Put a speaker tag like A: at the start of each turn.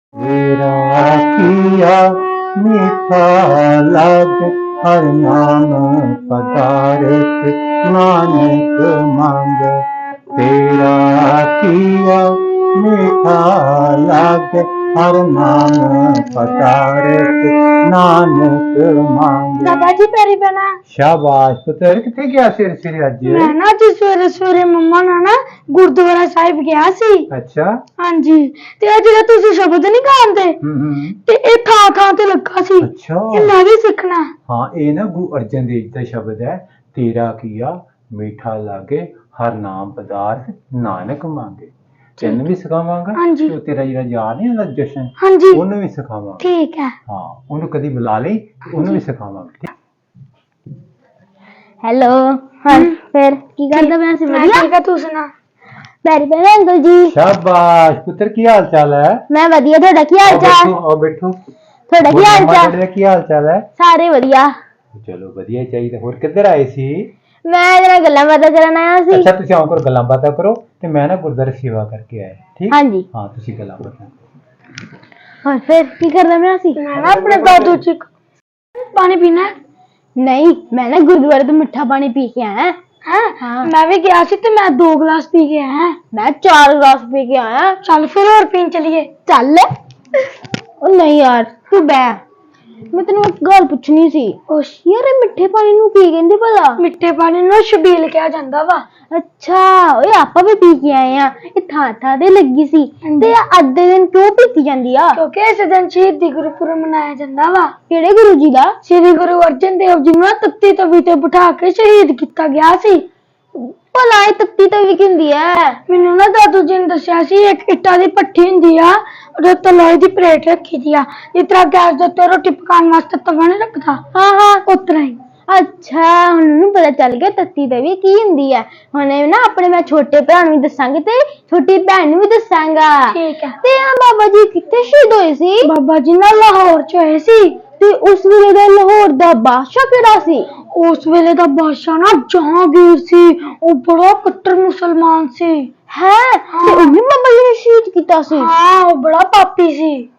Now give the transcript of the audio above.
A: तेरा किया मीठा लागे हर नाम पदार्थ नानक मांगे। तेरा किया मीठा लागे हर नाम पदार्थ नानक मांगे।
B: दादा जी पैरी पैना।
A: शाबाश पुत्र, किथे गया सिर सिर अज?
B: मैं ना जी सवेरे सवेरे मम्मा ਨਾਲ ਨਾ ਗੁਰਦੁਆਰਾ ਸਾਹਿਬ ਗਿਆ ਸੀ।
A: अच्छा।
B: ਹਾਂਜੀ ਤੇ ਇਹ ਜਿਹੜਾ ਤੁਸੀਂ ਸ਼ਬਦ ਨਹੀਂ ਗਾਉਂਦੇ ਤੇ ਇਹ ਥਾਂ ਥਾਂ ਤੇ ਲੱਗਾ ਸੀ।
A: अच्छा।
B: ਇਹ ਮੈਂ ਵੀ ਸਿੱਖਣਾ।
A: हाँ, ये ना गुरु अर्जन देव जी का शब्द है। तेरा किया मीठा लागे हर नाम पदार्थ नानक मांगे। तेन भी सिखावांगा।
B: हाँ जी।
A: तो तेरा ਜਿਹੜਾ ਯਾਰ ਨਹੀਂ ਹੁੰਦਾ ਜਸ਼ਨ,
B: हाँ जी
A: ਉਹਨੂੰ ਵੀ ਸਿਖਾਵਾਂਗਾ।
B: ठीक है।
A: ਹਾਂ, ਉਹਨੂੰ ਕਦੀ ਬੁਲਾ ਲਈ ਤੇ ਉਹਨੂੰ ਵੀ ਸਿਖਾਵਾਂਗਾ।
C: हेलो। हाँ फिर की करदा मैं सी
B: मैं
C: बढ़िया।
B: ठीक है, तू सुना।
C: पैरी पैना अंकल जी।
A: शाबाश पुੱਤਰ, ਕੀ ਹਾਲ ਚਾਲ ਹੈ?
C: मैं वधिया, ਤੁਹਾਡਾ ਕੀ हाल चाल?
A: आओ बैठो।
C: ਤੁਹਾਡਾ ਕੀ हाल चाल?
A: ਤੁਹਾਡਾ ਕੀ ਹਾਲ ਚਾਲ ਹੈ?
C: ਸਾਰੇ ਵਧੀਆ।
A: ਚਲੋ ਵਧੀਆ ਹੀ ਚਾਹੀਦਾ। ਹੋਰ ਕਿੱਧਰ ਆਏ ਸੀ?
C: मैं जरा गल्ला बातें करन आया सी।
A: ਅੱਛਾ, ਤੁਸੀਂ ਆਓ ਕਰ ਗੱਲਾਂ ਬਾਤਾਂ ਕਰੋ ਤੇ ਮੈਂ ਨਾ ਗੁਰਦੁਆਰੇ ਸੇਵਾ ਕਰਕੇ ਆਇਆ। ਠੀਕ?
C: हाँ जी।
A: ਹਾਂ, ਤੁਸੀਂ ਗੱਲਾਂ ਬਾਤਾਂ ਕਰੋ।
C: और फिर की करदा मैं सी?
B: मैं ना अपने दादू जी को पानी पीना है।
C: नहीं, मैं ना गुरुद्वारे तो मिठा पानी पी के आया।
B: हैं?
C: हाँ।
B: मैं भी गया सी ते मैं 2 गिलास पी के आया।
C: मैं 4 गिलास पी के आया।
B: चल फिर और पीन चलिए।
C: चल। ओ नहीं यार, तू बैठ। मैं तेन एक गल पूछनी सी। यार ये मिठे पानी नू की कहंदे भला?
B: मिठे पानी ਨੂੰ ਛਬੀਲ ਕਿਹਾ ਜਾਂਦਾ ਵਾ।
C: अच्छा, ओए आपा भी पी के आए हैं। ये था ते लगी सी ते अद्धे दिन क्यों पीती जांदी आ?
B: ਕਿਉਂਕਿ ਇਸ ਦਿਨ ਸ਼ਹੀਦੀ ਗੁਰਪੁਰਬ ਮਨਾਇਆ ਜਾਂਦਾ ਵਾ।
C: केड़े गुरु जी दा?
B: ਸ੍ਰੀ ਗੁਰੂ ਅਰਜਨ ਦੇਵ ਜੀ ਨੂੰ ਤੱਤੀ ਤਵੀ ਤੇ ਬਿਠਾ ਕੇ ਸ਼ਹੀਦ ਕੀਤਾ ਗਿਆ ਸੀ।
C: भला ये तत्ती तवी की हुंदी है?
B: ਮੈਨੂੰ ਨਾ ਦਾਦੂ ਜੀ ਨੇ ਦੱਸਿਆ ਸੀ ਇੱਕ ਇੱਟਾਂ ਦੀ ਭੱਠੀ ਹੁੰਦੀ ਆ, ਉਹਦੇ ਉੱਤੇ ਲੋਹੇ ਦੀ ਪਲੇਟ ਰੱਖੀ ਦੀ ਆ, ਜਿਸ ਤਰ੍ਹਾਂ ਗੈਸ ਦੇ ਉੱਤੇ ਰੋਟੀ ਪਕਾਉਣ ਵਾਸਤੇ ਤਵਾ ਨਹੀਂ ਰੱਖਦਾ।
C: हाँ हाँ।
B: ਉਸ ਤਰ੍ਹਾਂ ਹੀ।
C: अच्छा, हुण पता चल गया तत्ती तवी की हुंदी है। हुण ना अपने मैं छोटे भरा नूं भी दसांगी ते छोटी भैन नूं भी दसांगा।
B: ठीक है।
C: ते बाबा जी कित्थे शहीद होए सी?
B: ਬਾਬਾ ਜੀ ਨਾਲ ਲਾਹੌਰ ਚ ਹੋਏ ਸੀ।
C: ते उस वेले दा लाहौर दा बादशाह केड़ा सी?
B: ਉਸ ਵੇਲੇ ਦਾ ਬਾਦਸ਼ਾਹ ਨਾ ਜਹਾਂਗੀਰ ਸੀ। ਉਹ ਬੜਾ ਕੱਟੜ ਮੁਸਲਮਾਨ ਸੀ।
C: है ते उन्हें बाबा जी ने शहीद किया सी।
B: ਹਾਂ, ਉਹ ਬੜਾ ਪਾਪੀ ਸੀ।